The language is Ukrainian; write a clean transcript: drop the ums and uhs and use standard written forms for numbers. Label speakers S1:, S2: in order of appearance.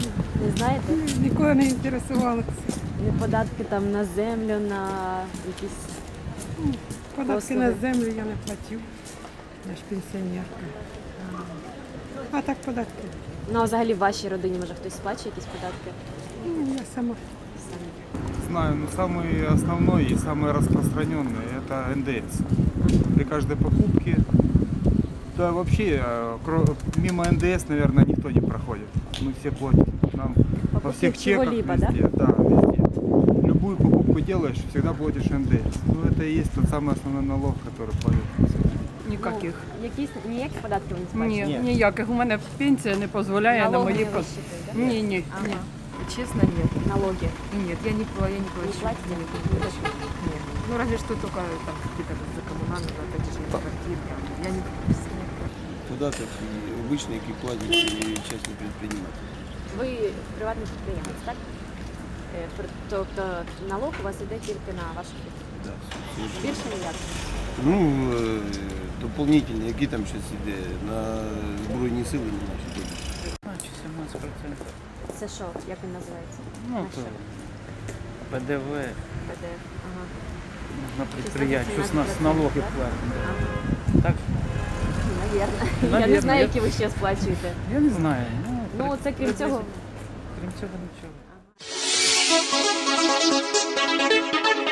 S1: Не знаєте?
S2: Ніколи не інтересувалася.
S1: Не податки там на землю, на якісь...
S2: Податки
S1: Послуги.
S2: на землю я не платив. Я ж пенсіонерка. А так податки.
S1: Ну, а взагалі в вашій родині, може, хтось сплачує якісь податки?
S2: Я сама.
S3: Знаю, но самый основной и самый распространенный это НДС. При каждой покупке, да вообще мимо НДС, наверное, никто не проходит. Мы все платим. Нам во всех чеках
S1: чего-либо,
S3: везде, да, везде. Любую покупку делаешь, всегда платишь НДС. Ну это и есть тот самый основной налог, который платят.
S4: Ніяких.
S1: Ніякі податки ви не сплачуєте?
S4: Ні, ніяких. У мене пенсія не дозволяє на
S1: Налоги
S4: мої
S1: не розчитують, да?
S4: Ні.
S1: Ага.
S5: Честно, нет.
S1: Налоги.
S5: Нет, я не плачу.
S1: Не платите?
S5: Не плачу. Нет. Ну, разве что только там какие-то за коммунальные, опять же, квартиры. Я не
S6: Податок і обичний, який платять і частні підприємці.
S1: Ви приватний підприємець, так? Тобто налог у вас йде тільки на вашу підприємство?
S6: Да,
S1: Більше ніяк?
S6: ну, дополнительні, які там щось іде, на Збройні сили не наші ходять.
S4: Значить, 17%.
S1: Це що? Як він називається?
S4: Ну,
S1: На
S4: то
S1: що?
S4: ПДВ
S1: ПДФ. Ага.
S4: на підприємство, з
S1: 17%,
S4: налоги
S1: так?
S4: платимо.
S1: Ага.
S4: Так?
S1: Навірно. Я не
S4: Навірно,
S1: знаю,
S4: я-
S1: які ви ще сплачуєте.
S4: Я не знаю.
S1: Ну, це крім цього.
S4: Крім цього нічого.
S1: Ага.